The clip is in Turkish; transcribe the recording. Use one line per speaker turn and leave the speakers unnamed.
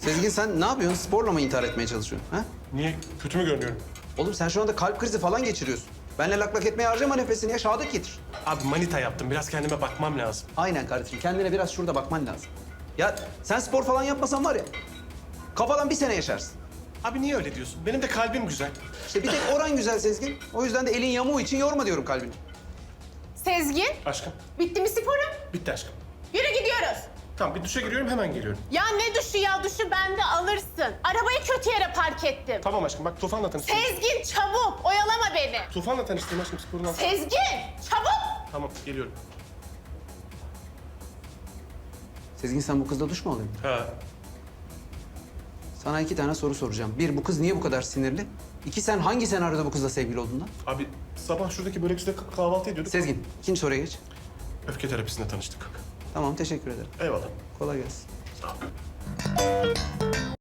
Sezgin sen ne yapıyorsun? Sporla mı intihar etmeye çalışıyorsun? Ha?
Niye? Kötü mü görünüyorum?
Oğlum sen şu anda kalp krizi falan geçiriyorsun. Benle lak lak etmeye harcama nefesini ya. Şehadet getir.
Abi manita yaptım. Biraz kendime bakmam lazım.
Aynen kardeşim. Kendine biraz şurada bakman lazım. Ya sen spor falan yapmasan var ya, kafadan bir sene yaşarsın.
Abi niye öyle diyorsun? Benim de kalbim güzel.
İşte bir tek oran güzel Sezgin. O yüzden de elin yamuğu için yorma diyorum kalbini.
Sezgin,
Aşkım.
bitti mi sporun?
Bitti aşkım.
Yürü gidiyoruz.
Tamam bir duşa giriyorum hemen geliyorum.
Ya ne duşu ya? Duşu bende alırsın. Arabayı kötü yere park ettim.
Tamam aşkım bak Tufan'la tanıştım.
Sezgin çabuk, oyalama beni.
Tufan'la tanıştım aşkım sporundan.
Sezgin, çabuk.
Tamam geliyorum.
Sezgin sen bu kızla duş mu alıyorsun?
Ha.
Sana 2 tane soru soracağım. Bir, bu kız niye bu kadar sinirli? 2, sen hangi senaryoda bu kızla sevgili oldun lan?
Abi sabah şuradaki börekçide kahvaltı ediyorduk.
Sezgin, ikinci soruya geç.
Öfke terapisinde tanıştık.
Tamam, teşekkür ederim.
Eyvallah.
Kolay gelsin.
Sağ ol.